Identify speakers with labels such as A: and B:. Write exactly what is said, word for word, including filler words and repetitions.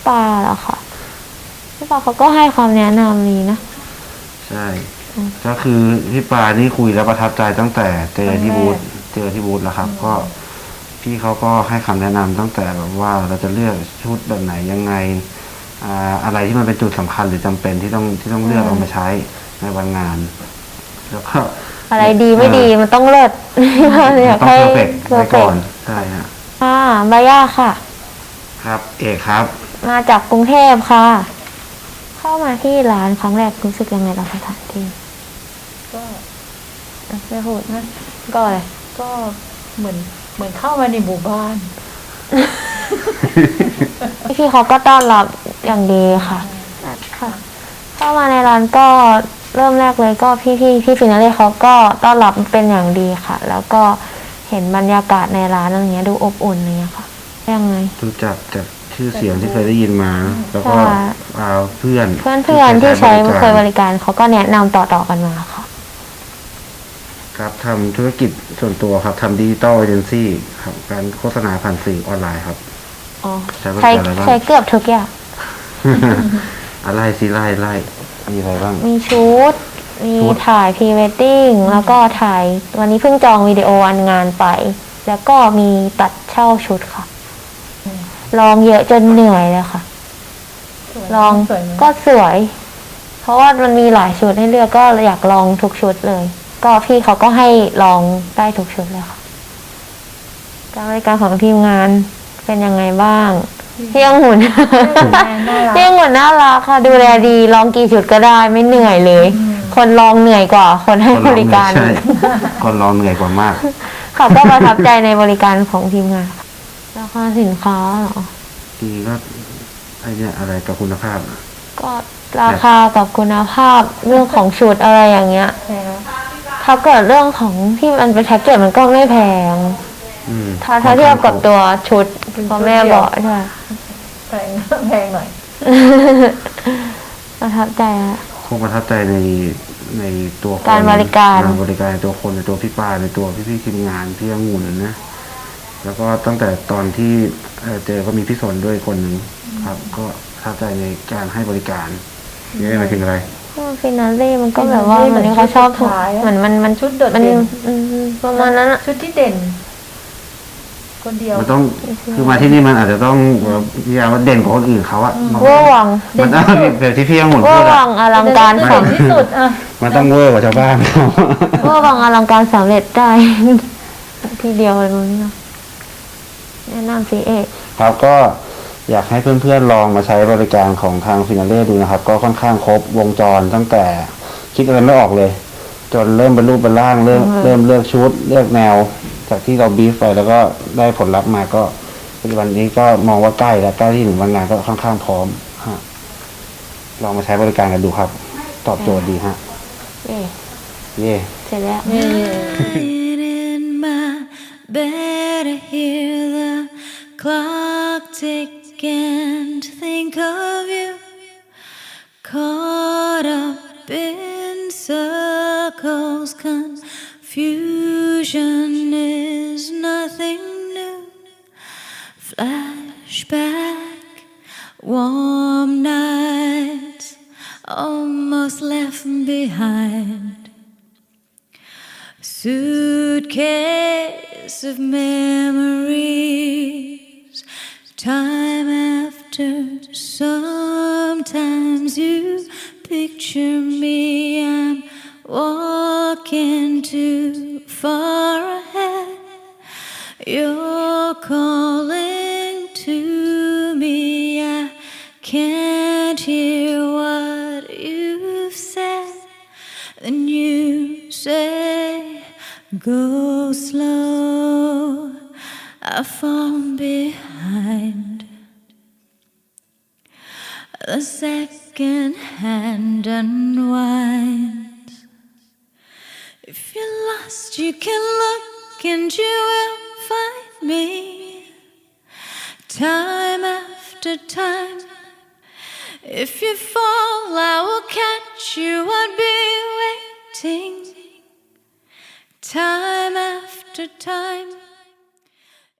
A: ปาเหรอคะพี่ปาเขาก็ให้ความแนะนำดีนะ
B: ใช่ก็คือพี่ปานี่คุยแล้วประทับใจตั้งแต่เจอที่บูธเจอที่บูธแล้วครับก็พี่เขาก็ให้คำแนะนำตั้งแต่แบบว่าเราจะเลือกชุดแบบไหนยังไงอ่าอะไรที่มันเป็นจุดสำคัญหรือจำเป็นที่ต้องที่ต้องเลือกเอามาใช้ในวันงานแล้วก็
A: อะไรดีไม่ดีมันต้องเลิศอยาก
B: ต้อง
A: ให้
B: เพอร์เฟกต์ไว้ก่อนใช่ฮะ
A: ค่ะบาย่าค่ะ
B: ครับเอกครับ
A: มาจากกรุงเทพค่ะเข้ามาที่ร้านครั้งแรกรู้สึกยังไงกับสถานที่
C: ก็
A: ไม่พูดนะก็อะไร
C: ก็เหมือนเหมือนเข้ามาในหมู่บ้าน
A: พี่เขาก็ต้อนรับอย่างดีค่ะค่ะเข้ามาในร้านก็เริ่มแรกเลยก็พี่พี่พี่ฟินาเล่เขาก็ต้อนรับเป็นอย่างดีค่ะแล้วก็เห็นบรรยากาศในร้านอะไรเงี้ยดูอบอุ่นอะไรเงี้ยค่ะยังไง
B: รู้จักจากชื่อเสียงที่เคยได้ยินมาแล้วก็เพื่อน
A: เพื่อนเพื่อนที่ใช้เคยบริการเขาก็แนะนำต่อๆกันมาค่ะ
B: ครับทำธุรกิจส่วนตัวครับทำดิจิตอลเอเจนซี่ครับการโฆษณาผ่านสื่อออนไลน์ครับ
A: อ๋อใช้ใช้เกือบทุกอย่าง
B: อะไรสิไล่ไล่มีอะไรบ้าง
A: มีชุดมีถ่ายพรีเวดดิ้งแล้วก็ถ่ายวันนี้เพิ่งจองวิดีโออันงานไปแล้วก็มีตัดเช่าชุดค่ะลองเยอะจนเหนื่อยเลยค่ะลองก็สวยเพราะว่ามันมีหลายชุดให้เลือกก็อยากลองทุกชุดเลยก็พี่เขาก็ให้ลองได้ทุกชุดเลยค่ะการบริการของทีมงานเป็นยังไงบ้างพี่องุ่นพี่องุ่นน่ารักค่ะดูแลดีลองกี่ชุดก็ได้ไม่เหนื่อยเลยคนลองเหนื่อยกว่าคนให้บริการ
B: คนลองเหนื่อยกว่ามาก
A: เขาก็ประทับใจในบริการของทีมงานราคาสินค้าเหรอ
B: ดีก็ไอเนี่ยอะไรกับคุณภาพ
A: ก็ราคากับคุณภาพเรื่องของชุดอะไรอย่างเงี้ยถ้าเกิดเรื่องของที่มันเป็นแพ็กเกจมันก็ไม่แพงถ้าถ้าเทียบกับตัวชุดพ่อแม่บอกใช่
C: แพงแพงหน่อย
A: ประทับใจอะ
B: คงประทับใจในในตัว
A: การบริการ
B: การบริการในตัวคนในตัวพี่ป้าในตัวพี่พี่ทีมงานพี่องุ่นนะแล้วก็ตั้งแต่ตอนที่เจอก็มีพี่สนด้วยคนหนึ่งครับก็ประทับใจในการให้บริการนี่หมายถึงอะไร
A: ฟินาเล่มันก็แบบว่าเหมือนเขาชอบเหมือนมันมัน
C: ชุดโดดเด่น
A: ประมาณนั้น
C: ชุดที่เด่นคนเดียว
B: มันต้องคือมาที่นี่มันอาจจะต้องพยายามว่าเด่นกว่าคนอื่นเขาอะ
A: เวอร์วัง
B: มันต้องแบบที่พี่ยังหมุนพูด
A: อะเวอร์วังอลังการ
C: สำที่สุดอะ
B: มันต้องเวอร์กว่าชาวบ้าน
A: เวอร์วังอลังการสำเร็จได้ทีเดียวเลยมั้งแนะนำสิเอก
B: ครับก็อยากให้เพื่อนๆลองมาใช้บริการของทางฟินาเล่ดูนะครับก็ค่อนข้างครบวงจรตั้งแต่คิดอะไรไม่ออกเลยจนเริ่มเป็นรูปเป็นร่างเริ่มเริ่มเลือกชุดเลือกแนวจากที่เราบีฟไปแล้วก็ได้ผลลัพธ์มาก็ปัจจุบันนี้ก็มองว่าใกล้แล้วใกล้ที่ถึงวันงานก็ค่อนข้างพร้อมฮะลองมาใช้บริการกันดูครับตอบโจทย์ดีฮะ
A: เย่
B: เย่
A: เสร็จแล้ว
D: And think of you caught up in circles. Confusion is nothing new. Flashback, warm nights almost left behind. Suitcase of memories. Time after, sometimes you picture me. I'm walking too far ahead. You're calling to me. I can't hear what you've said. Then you say, go slow. I fall behind. The second hand unwinds. If you're lost, you can look and you will find me. Time after time. If you fall, I will catch you. I'll be waiting. Time after time.